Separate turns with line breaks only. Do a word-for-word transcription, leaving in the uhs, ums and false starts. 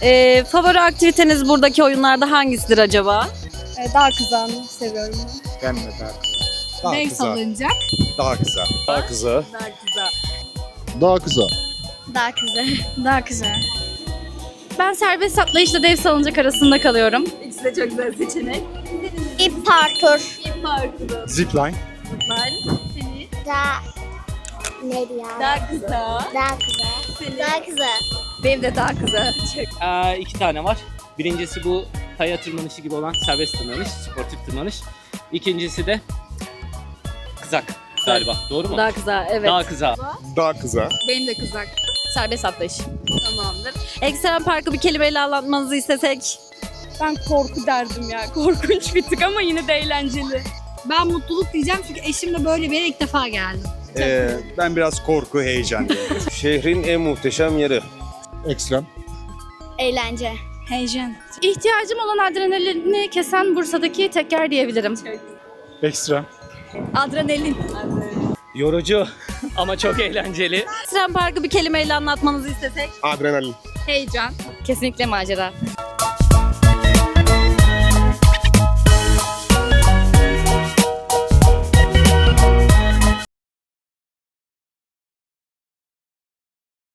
Ee, favori aktiviteniz buradaki oyunlarda hangisidir acaba?
Ee, Dağ kızağını seviyorum ben.
Ben de daha kısa. Daha
Renk
kısa.
salıncak.
Daha kısa.
Daha kıza.
Daha güzel.
Daha kısa.
Dağ kızı.
Daha güzel. Ben serbest atlayışla dev salıncak arasında kalıyorum.
İkisi de çok güzel seçenek.
İp parkur.
İp parkuru.
Zipline.
Ben. Seni.
Dağ. Neydi ya?
Daha kısa.
Dağ kızı.
Seni.
Dağ kızı.
Benim de daha kısa.
Ee, iki tane var. Birincisi bu kaya tırmanışı gibi olan serbest tırmanış, sportif tırmanış. İkincisi de kızak galiba. Doğru mu?
Daha kısa, evet.
Daha kıza.
Daha kısa.
Benim de kızak. Serbest atlayış.
Tamamdır. Ekstrem Park'ı bir kelimeyle anlatmanızı istesek.
Ben korku derdim ya. Korkunç bir tık ama yine de eğlenceli.
Ben mutluluk diyeceğim çünkü eşimle böyle bir yere ilk defa geldim.
Ee, ben biraz korku, heyecan diyorum.
Şehrin en muhteşem yeri.
Ekstrem.
Eğlence.
Heyecan. İhtiyacım olan adrenalini kesen Bursa'daki teker diyebilirim.
Ekstrem.
Adrenalin.
Yorucu ama çok eğlenceli.
Ekstrem Park'ı bir kelimeyle anlatmanızı istesek.
Adrenalin.
Heyecan. Kesinlikle macera.